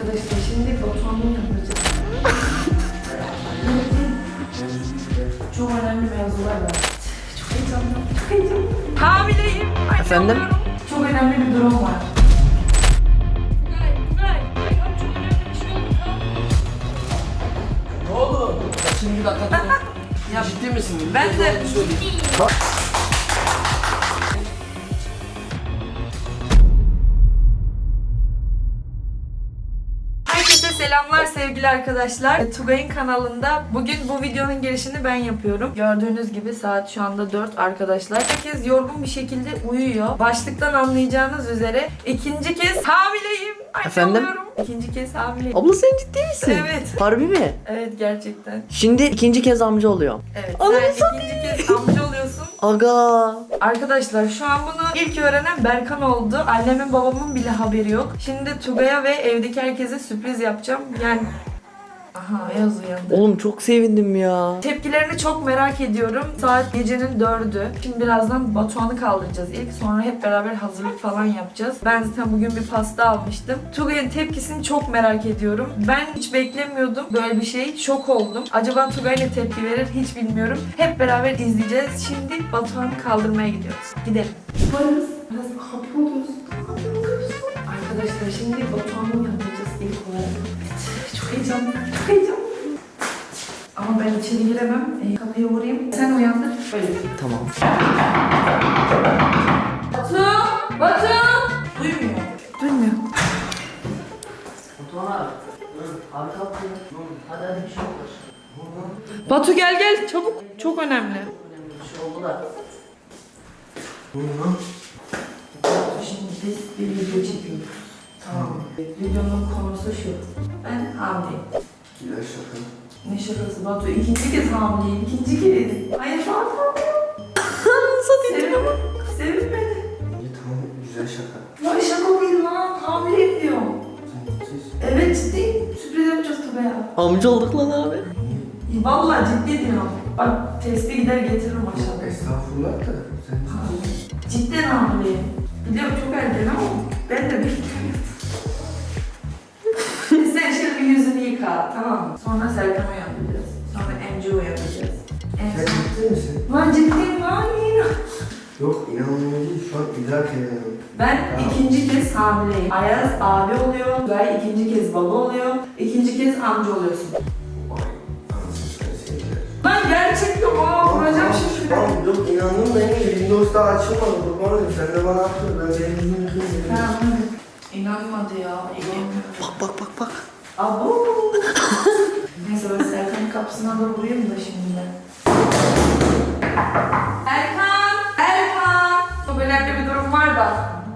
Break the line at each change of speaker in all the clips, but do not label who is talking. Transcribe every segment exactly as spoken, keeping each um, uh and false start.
Arkadaşlar şimdi Batuhan'ın yapacağız. Çok önemli mevzular var. Çok heyecanlı, çok heyecanlı. Hamileyim. Anne
Efendim?
oluyorum. Çok önemli bir durum var.
Ne oldu? Şimdi bir dakika dur. Ya ciddi misin?
Ben de.
Bak.
Herkese selamlar sevgili arkadaşlar. Tugay'ın kanalında bugün bu videonun girişini ben yapıyorum. Gördüğünüz gibi saat şu anda dört arkadaşlar. Herkes yorgun bir şekilde uyuyor. Başlıktan anlayacağınız üzere ikinci kez hamileyim. Anne
Efendim?
oluyorum. İkinci kez hamileyim.
Abla sen ciddi misin?
Evet.
Harbi mi?
Evet gerçekten.
Şimdi ikinci kez amca oluyor.
Evet.
Ananı
Sen ikinci kez amca oluyorsun.
Aga.
Arkadaşlar şu an bunu ilk öğrenen Berkan oldu. Annemin babamın bile haberi yok. Şimdi Tugay'a ve evdeki herkese sürpriz yapacağım. Yani... Aha Ayaz uyandı.
Oğlum çok sevindim ya.
Tepkilerini çok merak ediyorum. Saat gecenin dördü. Şimdi birazdan Batuhan'ı kaldıracağız ilk. Sonra hep beraber hazırlık falan yapacağız. Ben zaten bugün bir pasta almıştım. Tugay'ın tepkisini çok merak ediyorum. Ben hiç beklemiyordum böyle bir şey. Şok oldum. Acaba Tugay ne tepki verir hiç bilmiyorum. Hep beraber izleyeceğiz. Şimdi Batuhan'ı kaldırmaya gidiyoruz. Gidelim. Varız. Biraz hapoluz. Arkadaşlar şimdi Batuhan'ı yapacağız ilk olarak. Çok heyecanlı, çok heyecanlı. Ama ben içeri giremem. E, kapıyı vurayım. Sen uyandır. Böyle.
Tamam.
Batu! Batu! Duymuyor. Duymuyor.
Batuhan abi. Abi kalk ya. Hadi hadi bir şey olur.
Batu gel gel çabuk. Çok önemli.
Önemli bir şey oldu da.
Şimdi biz bir video çekiyoruz. Tamam. Videonun konusu şu. Ben hamileyim.
Güzel şaka.
Ne şakası Batu? İkinci kez hamileyim. İkinci kez. Hayır şu an hamileyim.
Satayım ama.
Sevinmedi.
İyi tamam güzel şaka.
Ya şaka değil lan. Hamileyim diyorum.
Sen ciddisin.
Evet ciddiyim. Sürpriz yapacağız tabii ya.
Amca olduk lan abi.
Vallahi ciddi diyorum. Bak testi gider getiririm aşağıda.
Estağfurullah da sen ciddisin.
Cidden hamileyim. Biliyorum çok erken ama ben de bekliyorum. Sen şimdi bir yüzünü yıka tamam mı? Sonra Serkan'ı uyandıracağız. Sonra Emci'yi uyandıracağız. En
Sen
son...
ciddi misin?
Lan ciddiyim lan yine.
Yok inanmıyorum değil şu an idrak edemiyorum.
Ben
Tamam.
ikinci kez hamileyim. Ayaz abi oluyor. Gay ikinci kez baba oluyor. İkinci kez amca oluyorsun.
Vay anasını sen sevgiler.
Lan gerçekten aa vuracağım şimdi.
Tamam yok inandım da yine Windows daha açılmadı. Kurban olayım sen de bana atma ben benim yüzümü yıkayım dedim.
Tamam hadi. İnanmadı ya. İnanmıyorum.
Bak bak bak bak.
Abo. Neyse ben Serkan'ın kapısına doğru vurayım da şimdi. Erkan! Erkan! Çok önemli bir durum var da.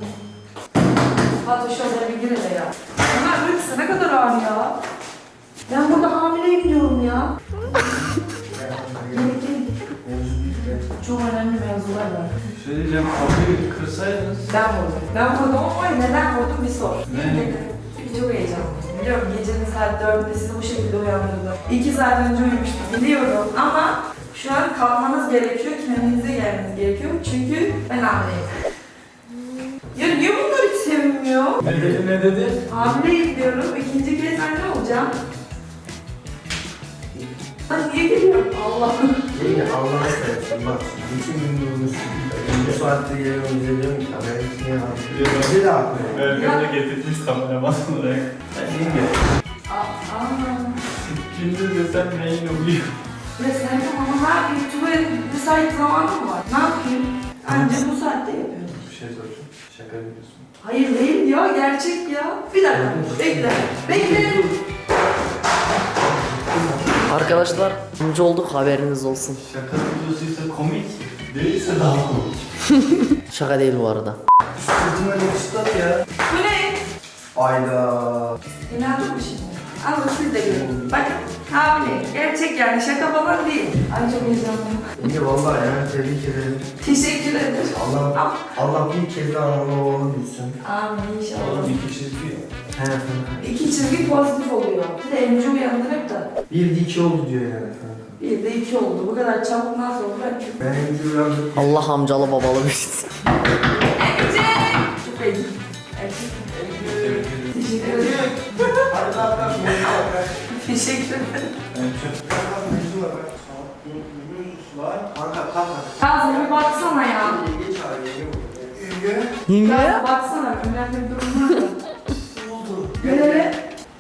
Batu şöyle bir gir hele ya. Ömer uykusu ne kadar ağır ya. Ben burada hamileyim diyorum ya. Gelin gelin.
Mevzu büyük be.
Çok önemli mevzular var.
Söyleyeceğim kapıyı kırsaydınız.
Ben vurdum. Ben vurdum ama neden vurdum bir sor.
Ne?
Çünkü çok heyecanlıyım. Biliyorum gecenin saat dördünde sizi bu şekilde uyandırdım. İki saat önce uyumuştum biliyorum ama şu an kalkmanız gerekiyor, kendinize gelmeniz gerekiyor çünkü ben hamileyim. Ya niye bunlar hiç sevinmiyor?
Ne dedi ne dedi?
Hamileyim diyorum, ikinci kez anne olacağım. Lan niye geliyorum? Allah'ım.
Yine Allah'a seversin bak. Bütün gün yorulmuşsun. Bu saatte geliyorum diyorum ki haber etmeye hazır. Bizi de atmıyor.
Berkan da getirmiş kameraman olarak.
Ben yenge.
Aa, aa.
Gündüz desem neyin oluyor?
Ya Serkan ama ne yapayım? Tuvalet müsait zamanım mı var? Ne yapayım? Anca bu saatte yapıyorum.
Bir şey soracağım. Şaka yapıyorsun.
Hayır değil ya, gerçek ya. Bir dakika, bekle. Bekle.
Arkadaşlar amca olduk haberiniz olsun.
Şaka videosuysa komik, değilse daha komik.
Şaka değil bu arada.
Sırtıma yakıştılar ya.
Bu ne?
Ayda.
İnandın mı şimdi? Alın siz de görün. Bakın, hamile. Gerçek yani, şaka falan değil. Ay çok heyecanlıyım.
Yenge vallahi yani tebrik ederim.
Teşekkür ederim.
Allah Allah bir kez daha analı oğlu bilsin.
Amin inşallah.
Oğlum iki çizgi.
He efendim.
İki çizgi pozitif oluyor. Bir de emci uyandırıp da.
Bir de iki oldu diyor yani efendim.
Bir de iki oldu. Bu kadar çabuk nasıl oldu? Ben çok...
Ben emci uyandım.
Allah amcalı babalı bilsin.
Emci! Çok heyecanlıyım. Erkek.
Tebrik ederim.
Teşekkür ederim.
Hadi kalk kalk mevzu var.
Teşekkür ederim.
Kalk kalk mevzu var. Var. Kanka kalk hadi.
Kazım bir baksana ya.
Yenge çağır yenge bu. Yenge.
Kazım baksana. Önemli bir durum var da.
Ne oldu?
Nereye?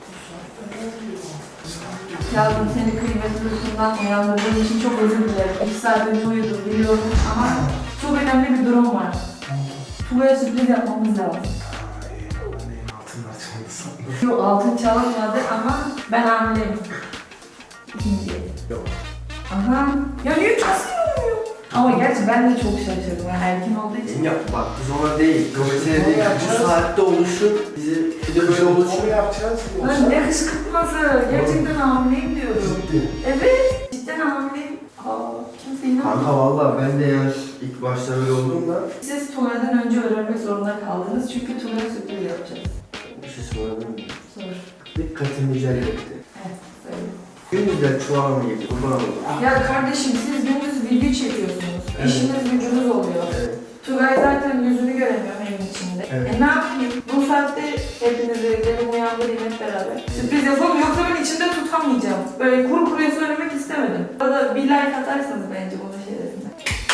Kazım seni kıymetli uykundan uyandırdığım için çok özür dilerim. İki saat önce uyudum biliyorum ama çok önemli bir durum var. Tugay'a sürpriz yapmamız lazım.
Altınlar çaldı sandım.
Yok altın çalınmadı ama ben hamileyim. İkinci.
Yok.
Aha. Ya niye kasıyorum? Ama gerçi ben de çok şaşırdım. Yani erken olduğu için.
Yenge bak biz ona değil. Yok mesele değil. Bu saatte oluşur. Bizi bir de böyle oluşur.
yapacağız.
Lan ne kışkırtması. Gerçekten hamileyim diyorum.
Ciddi.
Evet. Cidden hamileyim. Aa, kimse inanmıyor.
Kanka valla ben de yani ilk başta öyle oldum da.
Siz Tugay'dan önce öğrenmek zorunda kaldınız. Çünkü Tugay'a sürpriz yapacağız.
Bir şey sorabilir miyim?
Sor.
Dikkatimi celbetti.
Evet, söyle.
Gündüzden çuval mı yedi? Kurban oldum.
Ya kardeşim siz gündüz video çekiyorsunuz.
Evet.
İşiniz gücünüz oluyor.
Evet.
Tugay zaten yüzünü göremiyorum evin içinde.
Evet.
E ne yapayım? Bu saatte hepinizi dedim uyandırayım hep beraber. Sürpriz yapalım yoksa ben içinde tutamayacağım. Böyle kuru kuruya söylemek istemedim. Arada bir like atarsanız bence bunun şerefine.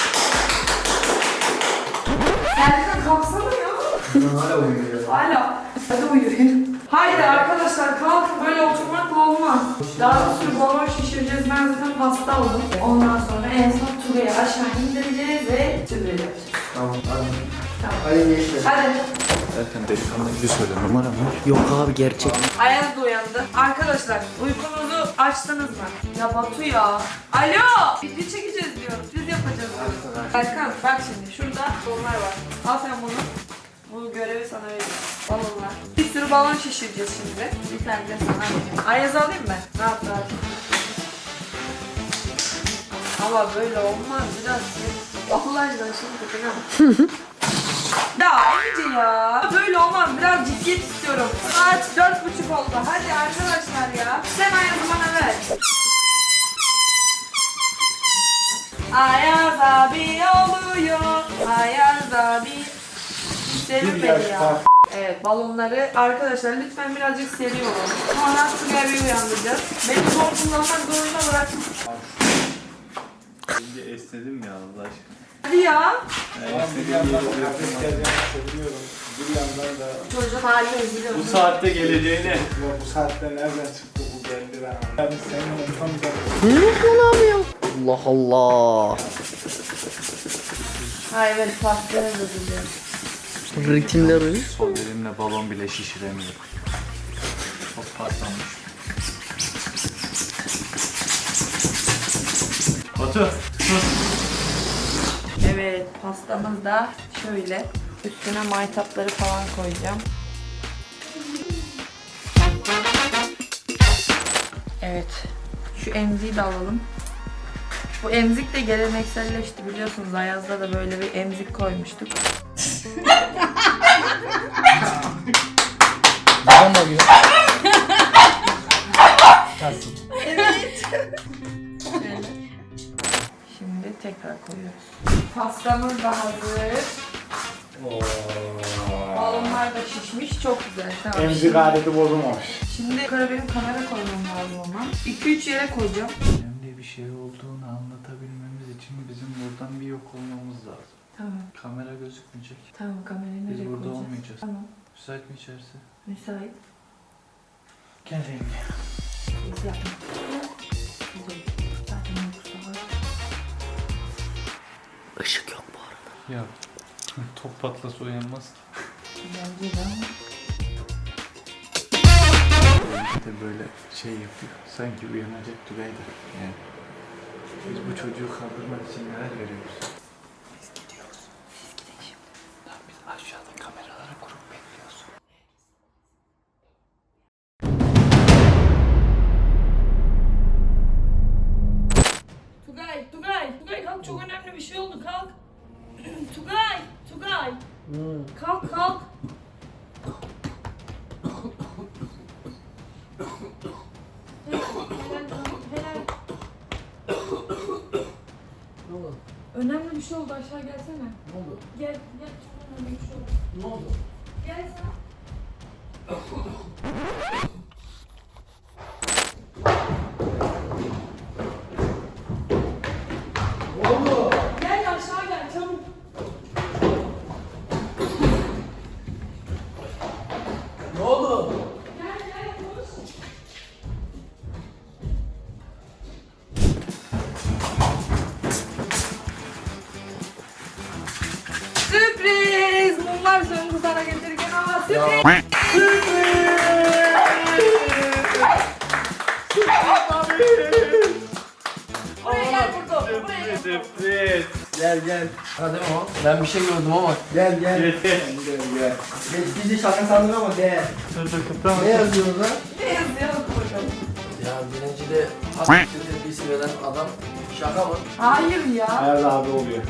Serkan kalksana ya.
Ben hala uyuyor.
Hala. Hadi uyuyun. Haydi arkadaşlar kalkın böyle oturmakla olmaz. Daha bir sürü balon şişireceğiz. Ben zaten pasta aldım. Ondan sonra en son Tugay'ı aşağı indireceğiz ve sürpriz yapacağız.
Tamam hadi.
Tamam.
Hadi gençler.
Hadi.
Zaten delikanlı gibi söyle numara mı?
Yok abi gerçek.
Ayaz da uyandı. Arkadaşlar uykunuzu açtınız mı? Ya Batu ya. Alo. Video çekeceğiz diyoruz. Biz yapacağız diyoruz. Erkan bak şimdi şurada balonlar var. Al sen bunu. Bu görevi sana vereyim. Balonlar. Bir sürü balon şişireceğiz şimdi. Bir tane de sana vereyim. Ayaz alayım mı? Ne yaptı abi? Ama böyle olmaz biraz. Allah aşkına şimdi bakın. Ya Ece ya. Böyle olmaz. Biraz ciddiyet istiyorum. Saat dört buçuk oldu. Hadi arkadaşlar ya. Sen Ayaz'ı bana ver. Ayaz abi oluyor. Ayaz abi. Sevin beni ya. Evet balonları arkadaşlar lütfen birazcık seri olun. Sonra Tugay'ı uyandıracağız. Beni zor kullanmak zorunda bırakın.
Önce esnedim ya Allah aşkına.
Hadi ya.
Bir yandan kafes geleceğini
seviyorum. Bir yandan da
Çocuğun haline üzülüyorum.
Bu saatte geleceğini.
ya bu saatte nereden çıktı bu geldi ben. Yani senin tam da
Allah Allah.
Hayır böyle pastaya da üzülüyorum.
Ritimleri.
Sol elimle balon bile şişiremiyorum. Çok patlamış. Batu.
Evet pastamız da şöyle. Üstüne maytapları falan koyacağım. Evet. Şu emziği de alalım. Bu emzik de gelenekselleşti biliyorsunuz. Ayaz'da da böyle bir emzik koymuştuk.
Babam arıyor.
Evet. Şöyle. Şimdi tekrar koyuyoruz. Pastamız da hazır. Balonlar da şişmiş. Çok güzel. Tamam.
emzik aleti bozulmamış.
Şimdi yukarı benim kamera koymam lazım ama. iki üç yere koyacağım.
Önemli bir şey olduğunu anlatabilmemiz için bizim buradan bir yok olmamız lazım.
Tamam.
Kamera gözükmeyecek.
Tamam kamerayı nereye
Biz burada
koyacağız?
olmayacağız.
Tamam.
Müsait mi içerisi?
Müsait.
Gel yenge.
Biz yapma. Güzel. Zaten uykusu var.
Işık yok bu arada.
Ya top patlasa uyanmaz ki.
Bence de ama.
İşte böyle şey yapıyor. Sanki uyanacak Tugay'da. Yani. Biz bu çocuğu kaldırmak için neler veriyoruz? Biz gidiyoruz. Biz gidelim şimdi. Tamam biz aşağıda kameralara kurup bekliyoruz.
Tugay, Tugay, Tugay kalk çok önemli bir şey oldu kalk. Tugay, Tugay. Kalk kalk. Önemli bir şey oldu aşağı gelsene.
Ne oldu?
Gel gel çok önemli bir şey oldu.
Ne oldu?
Gel sen.
Gel gel.
Hadi ama ben bir şey gördüm ama.
Gel gel.
Geç geç.
Gel gel.
Geç bizi şaka sandın ama gel.
Dur dur kıptama.
Ne yazıyoruz lan?
Ne yazıyor bakalım.
Ya birinci de hasta tepkisi veren adam şaka mı?
Hayır ya.
Ayaz abi oluyor.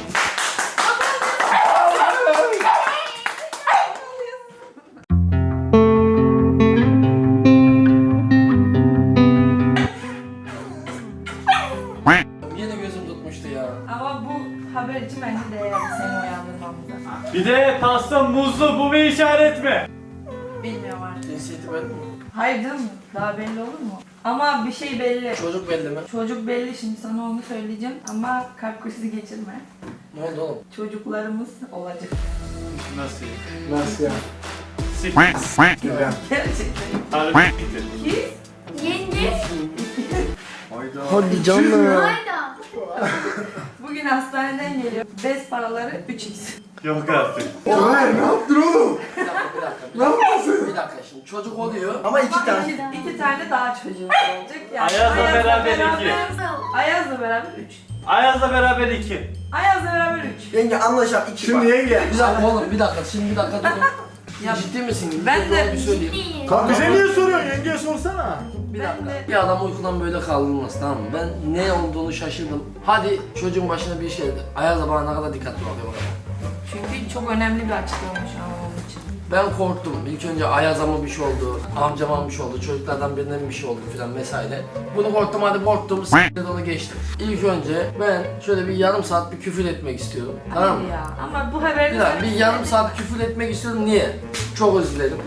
Yine gözüm tutmuştu ya.
Ama bu haber için bence değerli seni uyandırmamıza.
Bir de pasta muzlu, bu bir işaret mi?
Bilmiyorum artık.
Cinsiyeti belli mi?
Hayır canım, daha belli olur mu? Ama bir şey belli.
Çocuk belli mi?
Çocuk belli, şimdi sana onu söyleyeceğim ama kalp krizi geçirme.
Ne oldu oğlum?
Çocuklarımız olacak.
Nasıl?
Nasıl ya?
Sik.
Güzel.
Gerçekten.
Harbi siktir.
Ki
Yenge.
Hadi canım.
Hayda.
bugün hastaneden geliyor. Bez paraları üç x.
Yok artık.
Hayır ne yaptın oğlum?
Bir dakika bir dakika. Bir
Ne
dakika,
yapıyorsun?
bir dakika şimdi çocuk oluyor.
Ama iki
Bak,
tane.
iki, iki tane daha çocuğumuz olacak. Yani
Ayaz'la beraber iki.
Ayaz'la beraber üç.
Ayaz'la beraber iki.
Ayaz'la beraber üç.
Yenge anlaşalım iki
Şimdi
bak.
yenge.
Bir dakika oğlum bir dakika şimdi bir dakika durun.
Ya,
Ciddi misin?
ben
Bir
de-
doğru bir söyleyeyim.
Kanka bize niye soruyorsun? Yengeye sorsana.
Bir
Ben
dakika.
de-
Bir adam uykudan böyle kaldırılmaz tamam mı? Ben ne olduğunu şaşırdım. Hadi çocuğun başına bir şey dedi. Ayaz'a bana ne kadar dikkatli bakıyor bakalım.
Çünkü çok önemli bir açıklama şu an onun için.
Ben korktum. İlk önce Ayaz'a mı bir şey oldu, amcama mı bir şey oldu, çocuklardan birine mi bir şey oldu filan vesaire. Bunu korktum hadi korktum, s***de onu geçtim. İlk önce ben şöyle bir yarım saat bir küfür etmek istiyorum. Tamam mı?
Hayır ya. Ama bu haberin
Bir, dakika, bir yarım saat küfür etmek istiyorum. Niye? Çok özür dilerim.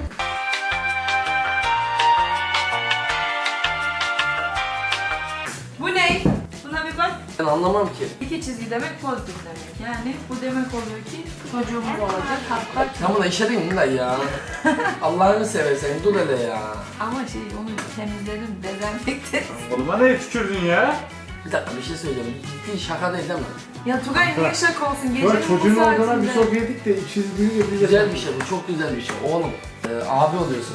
Bu ne? Buna bir bak.
Ben anlamam ki.
İki çizgi demek pozitif demek. Yani bu demek oluyor ki çocuğumuz olacak. Hatta
Sen buna işe değil mi lan ya? Allah'ını seversen dur hele ya.
ama şey onu temizledim, dezenfekte.
Oğluma ne tükürdün ya?
Bir dakika bir şey söyleyeceğim. Ciddi şaka değil değil mi?
Ya Tugay niye şaka olsun? Gecenin
Böyle
bu
çocuğun olduğuna bir
saatinde.
sok yedik de ikisi büyüyünce bize.
Güzel bir şey bu, çok güzel bir şey. Oğlum, e, abi oluyorsun.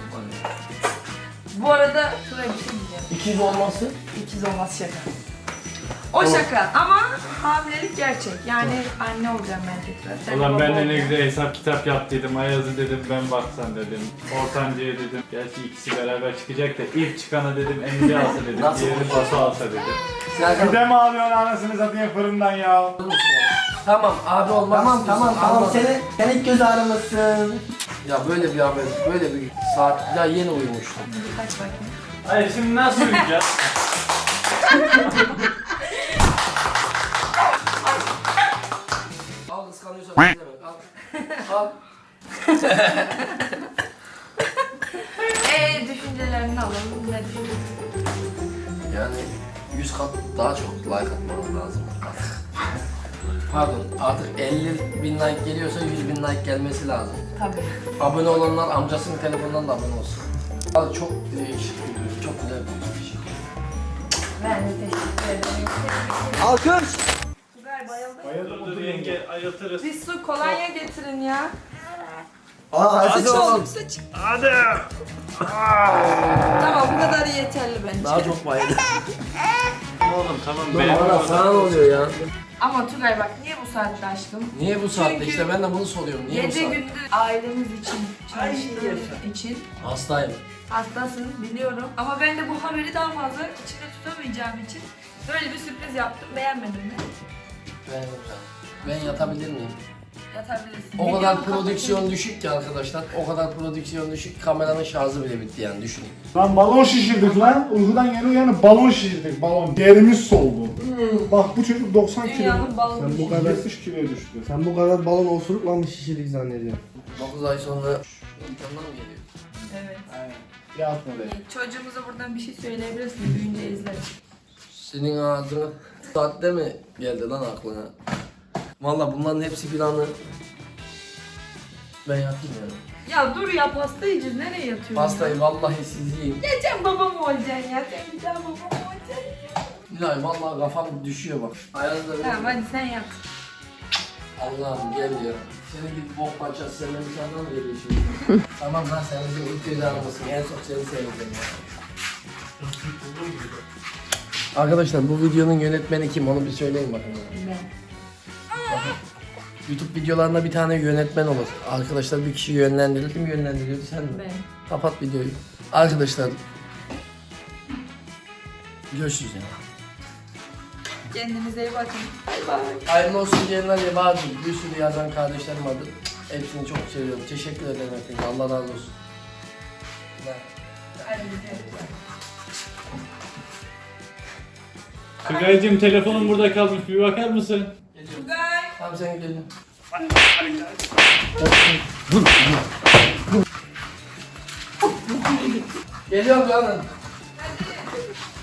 Bu arada Tugay bir şey diyeceğim.
İkiz olması.
İkiz olmaz şaka. O şaka ama hamilelik gerçek. Yani anne olacağım ben tekrar. Sen
Ulan
baba
ben de ne
olacaksın.
güzel hesap kitap yaptıydım. Ayaz'ı dedim ben baksan dedim. Ortancıya dedim. Gerçi ikisi beraber çıkacak da ilk çıkana dedim Emre alsa dedim.
Nasıl
Diğerini
konuşuyorsun?
Batu alsa dedim.
Serkan,
Bir de mi alıyorsun anasını satayım fırından ya?
tamam abi olmak
Tamam
istiyorsun,
tamam tamam
anladım.
seni, sen ilk göz ağrımasın.
Ya böyle bir haber, böyle bir saat ya yeni uyumuştum.
Bir kaç bakayım.
Hayır şimdi nasıl uyuyacağız?
Al kıskanıyorsan ne demek? Al. Al.
Eee düşüncelerini alalım. Ne düşünüyorsun?
Yani yüz kat daha çok like atmanız lazım artık. Pardon artık elli bin like geliyorsa yüz bin like gelmesi lazım.
Tabii.
Abone olanlar amcasının telefonundan da abone olsun. Abi çok değişik, çok güzel bir şey.
Ben de teşekkür ederim.
Alkış.
Tugay bayıldı.
Bayıldım
Dur dur yenge ayıltırız.
Bir su kolonya getirin ya.
Aa
Sıç
hadi
oğlum sıç.
Hadi.
Tamam bu kadar yeterli bence.
Daha çok bayıldı.
Oğlum tamam
Dur
ben.
bana sana ne oluyor ya?
Ama Tugay bak niye bu saatte aşkım?
Niye bu saatte
Çünkü
işte ben de bunu soruyorum. Niye bu
Gece
saatte?
gündüz ailemiz için, çalıştığımız için
Hastayım.
hastasın biliyorum. Ama ben de bu haberi daha fazla içimde tutamayacağım için böyle bir sürpriz yaptım. Beğenmedin mi?
Ben, ben yatabilir miyim?
Yatabilirsin.
O kadar
Videonun
prodüksiyon
kapatın.
düşük ki arkadaşlar. O kadar prodüksiyon düşük. Kameranın şarjı bile bitti yani düşünün.
Lan balon şişirdik lan. Uykudan yeni uyanıp balon şişirdik balon. Derimiz soldu. Bak bu çocuk doksan kilo.
Dünyanın balonu
Sen bu
şişirdi.
kadar yetmiş kiloya düştü.
Sen bu kadar balon osurukla mı şişirdik zannediyorsun?
dokuz ay sonra imkanlar mı geliyor?
Evet.
Yatma be.
Çocuğumuza buradan bir şey söyleyebilirsin. Büyüyünce izleriz.
Senin ağzına saatte mi geldi lan aklına? Valla bunların hepsi planı. Ben yatayım yani.
Ya dur ya pasta yiyeceğiz. Nereye yatıyorsun?
Pastayı vallahi siz yiyin.
Ya sen babam olacaksın ya. Sen bir daha babam olacaksın.
Nilay vallahi kafam düşüyor bak. Ayağınızda bir...
Tamam hadi sen yat.
Allah'ım gel ya. Senin gibi bok parçası senden bir tane mı geliyor şimdi? Tamam lan sen bizi ilk göz ağrımasın. En çok seni seveceğim ya. Arkadaşlar bu videonun yönetmeni kim onu bir söyleyin bakın.
Ben.
YouTube videolarında bir tane yönetmen olur. Arkadaşlar bir kişi yönlendirir. Kim yönlendiriyordu, sen mi?
Ben.
Kapat videoyu. Arkadaşlar görüşürüz ya.
Kendinize iyi bakın. Bay bay.
Hayırlı olsun diyenler ya vardı. Bir sürü yazan kardeşlerim vardı. Hepsini çok seviyorum. Teşekkür ederim hepinize. Allah razı olsun.
Hadi gidelim.
Tugay'cığım telefonun burada kalmış, bir bakar mısın?
Tugay.
Tamam sen gidelim. Geliyorum canım.
Hadi.